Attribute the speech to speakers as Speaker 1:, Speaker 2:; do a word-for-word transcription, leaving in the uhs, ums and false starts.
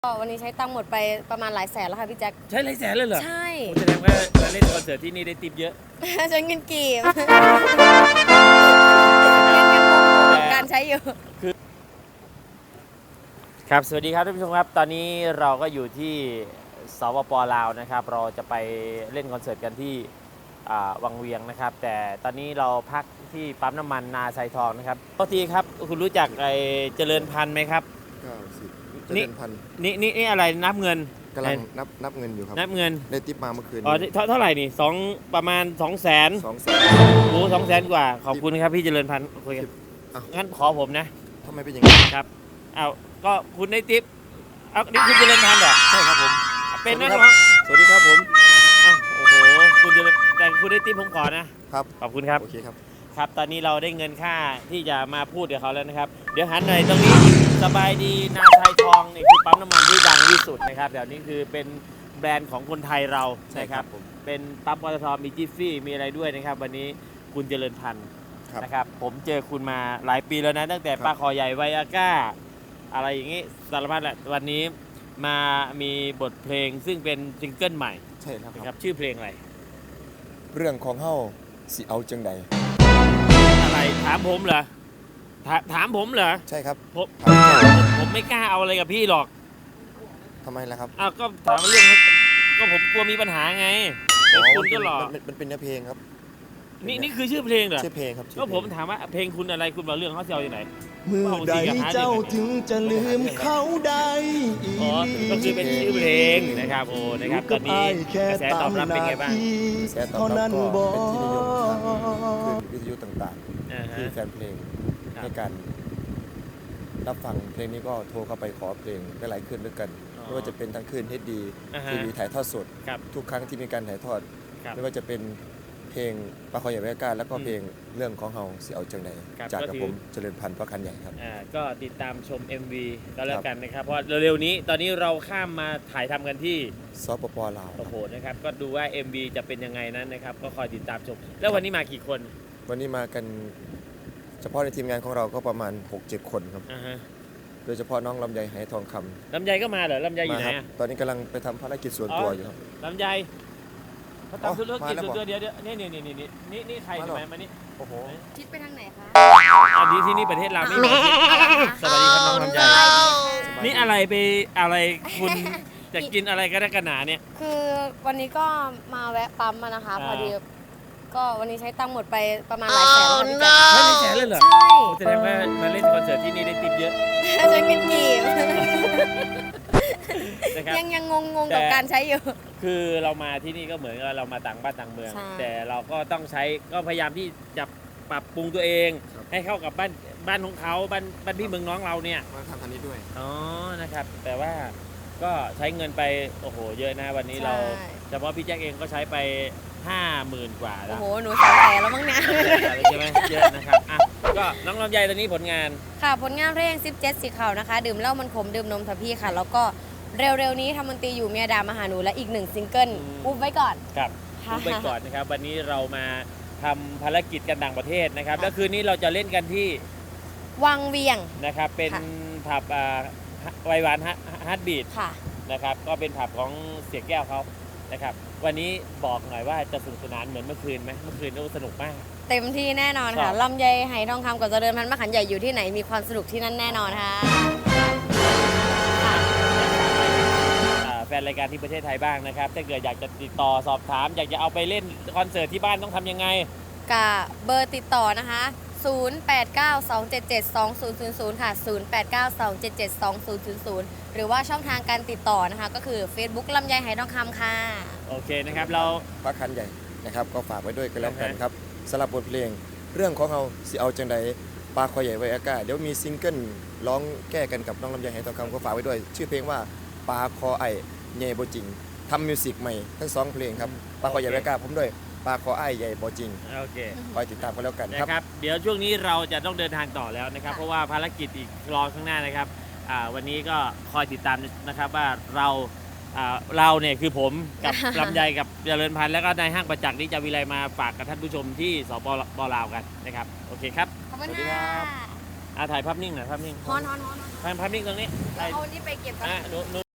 Speaker 1: ก็วันนี้ใช้ตังค์หมดไปประมาณหลายแสนแล้วค่ะพี่แจ็ค
Speaker 2: ใช้หลายแสนเลยเหรอ
Speaker 1: ใช่
Speaker 2: แสดงว่ามาเล่นคอนเสิร์ตที่นี่ได้ติปเยอะ
Speaker 1: ใช้เงินกีบยังยังงงๆกับการใช้อยู่
Speaker 2: ครับสวัสดีครับท่านผู้ชมครับตอนนี้เราก็อยู่ที่สปป.ลาวนะครับเราจะไปเล่นคอนเสิร์ตกันที่วังเวียงนะครับแต่ตอนนี้เราพักที่ปั๊มน้ำมันนาไซทองนะครับปกติครับคุณรู้จักไอ้เจริญพันธุ์ไหมครับ
Speaker 3: เก้าสิบเจริญพันธุ์
Speaker 2: นี่นี่นี่อะไรนับเงิน
Speaker 3: กำลังนับนับเงินอยู่ครับ
Speaker 2: นับเงิน
Speaker 3: ได้ติปมาเมื่อคืน
Speaker 2: อ๋อเท่าเท่าไหร่นี่สองประมาณสองแสน
Speaker 3: สองแสน
Speaker 2: โอ้สองแสนกว่าขอบคุณครับพี่เจริญพันธุ์คุยกันงั้นขอผมนะ
Speaker 3: ทำไมเป็นอย่างนี้
Speaker 2: ครับเอาก็คุณได้ติปเอานี่คุณเจริญพันธุ์เหรอ
Speaker 3: ใช่ครับผม
Speaker 2: เป็นนักร้อง
Speaker 3: สวัสดีครับผม
Speaker 2: อ้าวโอ้โหคุณจะแต่คุณได้ติปผมขอนะครับขอบคุณครับ
Speaker 3: โอเคครับ
Speaker 2: ครับตอนนี้เราได้เงินค่าที่จะมาพูดกับเขาแล้วนะครับเดี๋ยวหันหน่อยตรงนี้สบายดีนาไซทองนี่คือปั๊มน้ำมันที่ดังที่สุดนะครับเดี๋ยวนี้คือเป็นแบรนด์ของคนไทยเราใช่ครับเป็นปั๊มปตทมีจิฟฟี่มีอะไรด้วยนะครับวันนี้คุณเจริญพันธุ์นะครับผมเจอคุณมาหลายปีแล้วนะตั้งแต่ปลาคอใหญ่ไวอาก้าอะไรอย่างนี้สารพัดแหละวันนี้มามีบทเพลงซึ่งเป็นซิงเกิลใหม่
Speaker 3: ใช่ครับ
Speaker 2: ครับชื่อเพลงอะไร
Speaker 3: เรื่องของเฮาสิเอาจังใด
Speaker 2: อะไรถามผมเหรอถาถามผมเหรอ
Speaker 3: ใช่ครับ
Speaker 2: ผมผมไม่กล้าเอาอะไรกับพี่หรอก
Speaker 3: ทำไมล่ะครับ
Speaker 2: อ้าวก็ถามเรื่องก็ผมกลัวมีปัญหาไงคุณก็หลอก
Speaker 3: มันเป็นเนื้อเพลงครับ
Speaker 2: นี่นี่คือชื่อเพลงเหรอ
Speaker 3: ชื่อเพลงครับ
Speaker 2: ก็ผมถามว่าเพลงคุณอะไรคุณบอกเรื่องเขาเซลอยู่ไหน
Speaker 4: เมื่อใดเจ้าถึงจะลืมเขาได้
Speaker 2: อ๋อก็คือเป็นชื่อเพลงนะครับโอ้นะครับตอนนี้กระแสตอบรับเป็นไงบ้าง
Speaker 3: กระแสตอบรับก็เป็นที่นิยมทางวิทยุต่างๆที่แฟนเพลงในการรับฟังเพลงนี้ก็โทรเข้าไปขอเพลงได้หลายคืนด้วยกันไม่ว่าจะเป็นทั้งคืนเฮดดีทีวีถ่ายทอดสดทุกครั้งที่มีการถ่ายทอดไม่ว่าจะเป็นเพลงปลาคอใหญ่ไวอาก้าแล้วก็เพลงเรื่องของเฮาสิเอาจังใดจากกับผมเจริญพันธุ์พระคันใหญ่ครับ
Speaker 2: ก็ติดตามชม เอ็ม วี ก็แล้วกันนะครับเพราะเร็วๆนี้ตอนนี้เราข้ามมาถ่ายทำกันที่
Speaker 3: สปป.ลาว
Speaker 2: โอ้โหนะครับก็ดูว่า เอ็ม วี จะเป็นยังไงนั้นนะครับก็คอยติดตามชมแล้ววันนี้มากี่คน
Speaker 3: วันนี้มากันเฉพาะในทีมงานของเราก็ประมาณ หกเจ็ด คนครับโดยเฉพาะน้องลำไยไหทองคำ
Speaker 2: ลำไยก็มาเหรอลำไยอยู่ไหน
Speaker 3: ตอนนี้กำลังไปทำภารกิจส่วนตัวอยู่ครับ
Speaker 2: ลำไยเขาทำธุรกิจส่วนตัวเดียวเดี๋ยวนี่นี่นี่นี่นี่นี่ใครมามานี่
Speaker 3: โอ้โห
Speaker 1: ทิศไปทางไหนคะ
Speaker 2: อันนี้ที่นี่ประเทศเราไม่มีสวัสดีครับน้องลำไยนี่อะไรไปอะไรคุณจะกินอะไรกันกันหนาเนี่ย
Speaker 1: คือวันนี้ก็มาแวะปั๊มมานะคะพอดีก็วันนี้ใช้ตังค์หมดไปประมาณหลายแสนแล้วพี่แจ๊ค
Speaker 2: ใช้หลายแสนเลยเหรอ
Speaker 1: ใช่
Speaker 2: แสดงว่ามาเล่นคอนเสิร์ตที่นี่ได้ติปเยอะ
Speaker 1: ใช้เงินกีบยังยังงงๆกับการใช้อยู่
Speaker 2: คือเรามาที่นี่ก็เหมือนกับเรามาต่างบ้านต่างเมืองแต่เราก็ต้องใช้ก็พยายามที่จะปรับปรุงตัวเองให้เข้ากับบ้านบ้านของเขาบ้านบ้านพี่เมืองน้องเราเนี่ย
Speaker 3: มาทำอันนี้ด้วย
Speaker 2: อ๋อนะครับแต่ว่าก็ใช้เงินไปโอ้โหเยอะนะวันนี้เราเฉพาะพี่แจ็คเองก็ใช้ไปห้าหมื่นกว่าแล้ว
Speaker 1: โอ้โหหนูสาวแก่แล้วมั้งเนี่ย
Speaker 2: ใช่ไหมเยอะนะครับอ่ะก็น้องลำไยตอนนี้ผลงาน
Speaker 1: ค่ะผลงานเพลงสิบเจ็ดสีขาวนะคะดื่มเหล้ามันขมดื่มนมทับพี่ค่ะแล้วก็เร็วๆนี้ทำดนตรีอยู่เมียดามาหาหนูและอีกหนึ่งซิงเกิลอุ๊บไว้ก่อน
Speaker 2: ครับอุ๊บไว้ก่อนนะครับวันนี้เรามาทำภารกิจกันต่างประเทศนะครับแล้วคืนนี้เราจะเล่นกันที่
Speaker 1: วังเวียง
Speaker 2: นะครับเป็นผับไวหวานฮาร์ดบีทนะครับก็เป็นผับของเสียแก้วเขานะครับวันนี้บอกหน่อยว่าจะสนุกสนานเหมือนเมื่อคืนไหมเมื่อคืนก็สนุกมาก
Speaker 1: เต็มที่แน่นอนค่ะลำไยไหทองคำกับเจริญพันธุ์มะขันใหญ่อยู่ที่ไหนมีความสนุกที่นั่นแน่นอนค่ะ
Speaker 2: แฟนรายการที่ประเทศไทยบ้างนะครับถ้าเกิดอยากจะติดต่อสอบถามอยากจะเอาไปเล่นคอนเสิร์ตที่บ้านต้องทำยังไง
Speaker 1: กับเบอร์ติดต่อนะคะศูนย์ แปด เก้า สอง เจ็ด เจ็ด สอง ศูนย์ ศูนย์ ศูนย์ค่ะศูนย์ แปด เก้า สอง เจ็ด เจ็ด สอง ศูนย์ ศูนย์ ศูนย์หรือว่าช่องทางการติดต่อนะคะก็คือ Facebook ลำไยไหทองคำค่ะ
Speaker 2: โอเคนะครับเรา
Speaker 3: พระคันใหญ่นะครับก็ฝากไว้ด้วยกันแล้วกันครับสำหรับบทเพลงเรื่องของเราสิเอาจังใดปลาคอใหญ่ไวอาก้าเดี๋ยวมีซิงเกิลร้องแก้กันกับน้องลำไยไหทองคำก็ฝากไว้ด้วยชื่อเพลงว่าปลาคอไอใหญ่โบจริงทำมิวสิกใหม่ทั้งสองเพลงครับปลาคอใหญ่ไวอาก้าผมด้วยปลาคอไอใหญ่โบจริง
Speaker 2: โอเค
Speaker 3: คอยติดตามกันแล้วกัน
Speaker 2: ครับเดี๋ยวช่วงนี้เราจะต้องเดินทางต่อแล้วนะครับเพราะว่าภารกิจอีกรอข้างหน้านะครับวันนี้ก็คอยติดตามนะครับว่าเราเราเนี่ยคือผมกับลำไยกับเจริญพันธุ์แล้วก็นายห้างประจักษ์นิจาวิไลมาฝากกับท่านผู้ชมที่สปป.ลาวกันนะครับโอเคครับ
Speaker 1: ขอบคุณค่ะ
Speaker 2: ถ่ายภาพนิ่งหน่อยภาพนิ่ง
Speaker 1: ฮอนฮอนฮอน
Speaker 2: ภาพนิ่งตรงนี้
Speaker 1: เอานี่ไปเก็บกัน